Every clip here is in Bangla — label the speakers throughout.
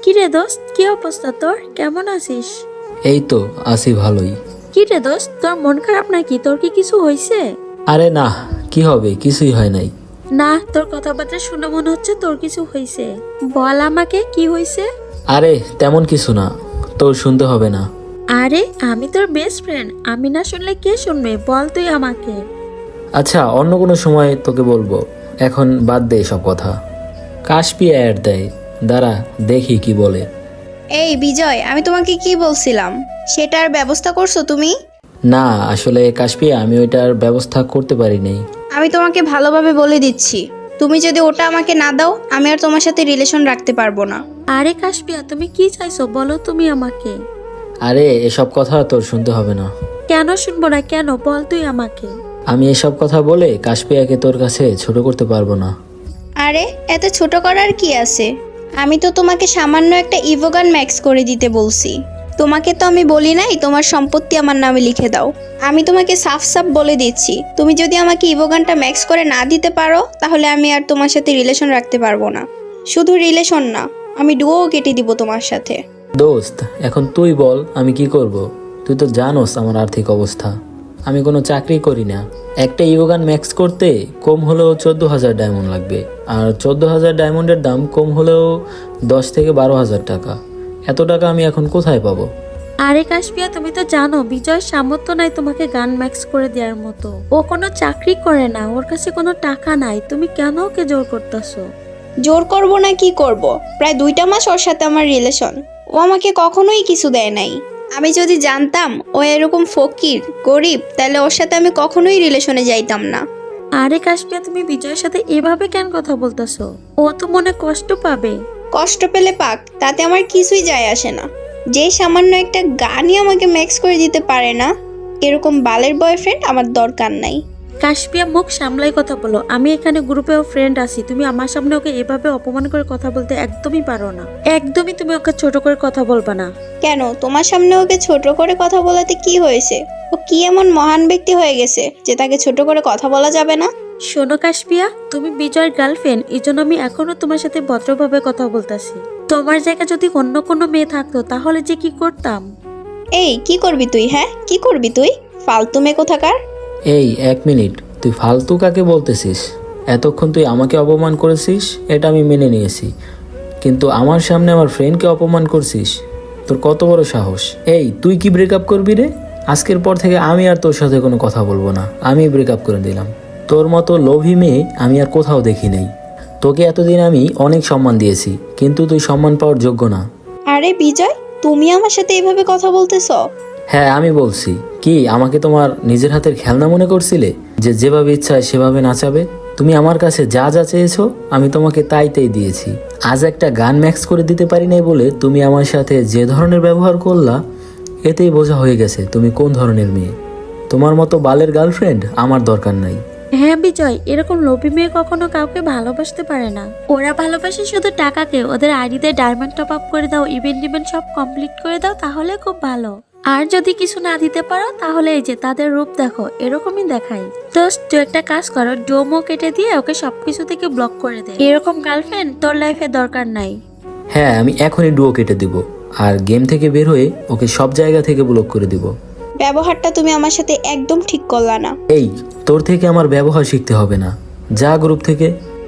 Speaker 1: কিরে দোস্ত, কি অবস্থা তোর? কেমন আছিস?
Speaker 2: এই তো আছি ভালোই।
Speaker 1: কিরে দোস্ত, তোর মন খারাপ নাকি? তোর কি কিছু হয়েছে?
Speaker 2: আরে না, কি হবে, কিছুই হয় নাই।
Speaker 1: না, তোর কথাবার্তা শুনে মনে হচ্ছে তোর কিছু হয়েছে। বল আমাকে কি হয়েছে।
Speaker 2: আরে তেমন কিছু না, তোর শুনতে হবে না।
Speaker 1: আরে আমি তোর বেস্ট ফ্রেন্ড, আমি না শুনলে কে শুনবে? বল তুই আমাকে।
Speaker 2: আচ্ছা, অন্য কোনো সময় তোকে বলবো, এখন বাদ দে সব কথা। কাশপি অ্যাড দেয়, দাঁড়া দেখি কি বলে।
Speaker 3: এই বিজয়, আমি তোমাকে কি বলছিলাম সেটার ব্যবস্থা করছো তুমি?
Speaker 2: না আসলে কাশপি, আমি ওইটার ব্যবস্থা করতে পারি নাই।
Speaker 3: আমি তোমাকে ভালোভাবে বলে দিচ্ছি, তুমি যদি ওটা আমাকে না দাও আমি আর তোমার সাথে রিলেশন রাখতে পারবো না।
Speaker 1: আরে কাশপিয়া, তুমি কি চাইছো বলো তুমি আমাকে।
Speaker 2: আরে এসব কথা তোর শুনতে হবে না।
Speaker 1: কেন শুনবো না? কেন বল তুই আমাকে।
Speaker 2: আমি এসব কথা বলে কাশপিয়াকে তোর কাছে ছোট করতে পারবো না।
Speaker 3: আরে এত ছোট করার কি আছে? আমি তো তোমাকে সামান্য একটা ইভোগান ম্যাক্স করে দিতে বলছি। তোমাকে তো আমি বলি নাই তোমার সম্পত্তি আমার নামে লিখে দাও। আমি তোমাকে সাফ সাফ বলে দিচ্ছি, তুমি যদি আমাকে ইভোগানটা ম্যাক্স করে না দিতে পারো তাহলে আমি আর তোমার সাথে রিলেশন রাখতে পারবো না। শুধু রিলেশন না, আমি ডুয়োও কেটে দিব তোমার সাথে।
Speaker 2: দোস্ত, এখন তুই বল আমি কি করব। তুই তো জানোস আমার আর্থিক অবস্থা, আমি কোনো চাকরি করি না। একটা ইয়োগান ম্যাক্স করতে কম হলেও 14,000 ডায়মন্ড লাগবে, আর 14,000 ডায়মন্ডের দাম কম হলেও 10 থেকে 12,000 টাকা। এত টাকা আমি এখন কোথায় পাবো?
Speaker 1: আরে কাশপিয়া, তুমি তো জানো বিজয় সামর্থ্য নাই তোমাকে গান ম্যাক্স করে দেওয়ার মতো। ও কোনো চাকরি করে না, ওর কাছে কোনো টাকা নাই, তুমি কেন ওকে জোর করতেছো?
Speaker 3: জোর করব না কি করব, প্রায় 2টা মাস ওর সাথে আমার রিলেশন। ও আমাকে কখনোই কিছু দেয় নাই। আমি যদি জানতাম ও এরকম ফকির গরিব তাহলে ওর সাথে আমি কখনোই রিলেশনে যাইতাম না।
Speaker 1: আরে কাশপিয়া, তুমি বিজয়ের সাথে এভাবে কেন কথা বলতেছো? ও তো মনে কষ্ট পাবে।
Speaker 3: কষ্ট পেলে পাক, তাতে আমার কিছুই যায় আসে না। যে সামান্য একটা গানই আমাকে ম্যাক্স করে দিতে পারে না, এরকম বালের বয়ফ্রেন্ড আমার দরকার নাই।
Speaker 1: কাশপিয়া, মুখ সামলাই কথা বলো। আমি এখানে গ্রুপেও ফ্রেন্ড আছি, তুমি আমার সামনে ওকে এভাবে অপমান করে কথা বলতে একদমই পারো না। একদমই তুমি ওকে ছোট করে কথা বলবা না।
Speaker 3: কেন তোমার সামনে ওকে ছোট করে কথা বলাতে কি হয়েছে? ও কি এমন মহান ব্যক্তি হয়ে গেছে যে তাকে ছোট করে কথা বলা যাবে না?
Speaker 1: শোনো কাশপিয়া, তুমি বিজয়ের গার্লফ্রেন্ড, এই জন্য আমি এখনো তোমার সাথে ভদ্রভাবে কথা বলতেছি। তোমার জায়গা যদি অন্য কোনো মেয়ে থাকতো তাহলে যে কি করতাম।
Speaker 3: এই কি করবি তুই? হ্যাঁ কি করবি তুই? ফালতু মেয়ে কোথাকার।
Speaker 2: এই 1 মিনিট, তুই ফালতু কাকে বলতেছিস? এতক্ষণ তুই আমাকে অপমান করেছিস, এটা আমি মেনে নিয়েছি, কিন্তু আমার সামনে আমার ফ্রেন্ডকে অপমান করছিস? তোর কত বড় সাহস! এই তুই কি ব্রেকআপ করবি রে? আজকের পর থেকে আমি আর তোর সাথে কোনো কথা বলবো না, আমি ব্রেকআপ করে দিলাম। তোর মতো লোভী মেয়ে আমি আর কোথাও দেখি নাই। তোকে এতদিন আমি অনেক সম্মান দিয়েছি, কিন্তু তুই সম্মান পাওয়ার যোগ্য না।
Speaker 3: আরে বিজয়, তুমি আমার সাথে এভাবে কথা বলতেছ?
Speaker 2: হ্যাঁ আমি বলছি। কি আমাকে তোমার নিজের হাতের খেলনা মনে করছিলে, যে যেভাবে ইচ্ছা সেভাবে নাচাবে? তুমি আমার কাছে যা যা চেয়েছো আমি তোমাকে তাই তাই দিয়েছি। আজ একটা গান ম্যাক্স করে দিতে পারি নাই বলে তুমি আমার সাথে যে ধরনের ব্যবহার করলা, এতেই বোঝা হয়ে গেছে তুমি কোন ধরনের মেয়ে। তোমার মতো বালের গার্লফ্রেন্ড আমার দরকার নাই।
Speaker 1: হ্যাঁ বিজয়, এরকম লোভী মেয়ে কখনো কাউকে ভালোবাসতে পারে না। ওরা ভালোবাসে শুধু টাকাকে। ওদের আইডিতে ডায়মন্ড টপ আপ করে দাও, ইভেন্ট সব কমপ্লিট করে দাও, তাহলে খুব ভালো। আর যদি কিছু না দিতে পারো তাহলে এই যে তাদের রূপ দেখো, এরকমই দেখাই। তো তুই একটা কাজ করো, ডোমো কেটে দিয়ে ওকে সবকিছু থেকে ব্লক করে দে। এরকম গার্লফ্রেন্ড তোর লাইফে দরকার নাই।
Speaker 2: হ্যাঁ আমি এখনই ডুয়ো কেটে দিব, আর গেম থেকে বের হয়ে ওকে সব জায়গা থেকে ব্লক করে দিব।
Speaker 3: ব্যবহারটা তুমি আমার সাথে একদম ঠিক করলা না।
Speaker 2: এই তোর থেকে আমার ব্যবহার শিখতে হবে না, যা গ্রুপ থেকে।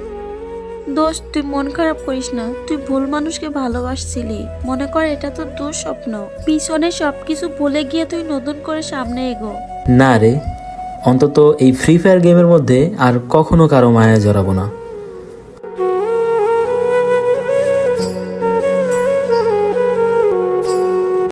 Speaker 1: দোস্ত, তুই মন খারাপ করিস না। তুই ভুল মানুষকে ভালোবাসছিলি। মনে কর এটা তো তোর স্বপ্ন। পিছনে সবকিছু ভুলে গিয়ে তুই নতুন করে সামনে এগো।
Speaker 2: না রে, অন্তত এই ফ্রি ফায়ার গেমের মধ্যে আর কখনো কারো মায়া জড়াবো না।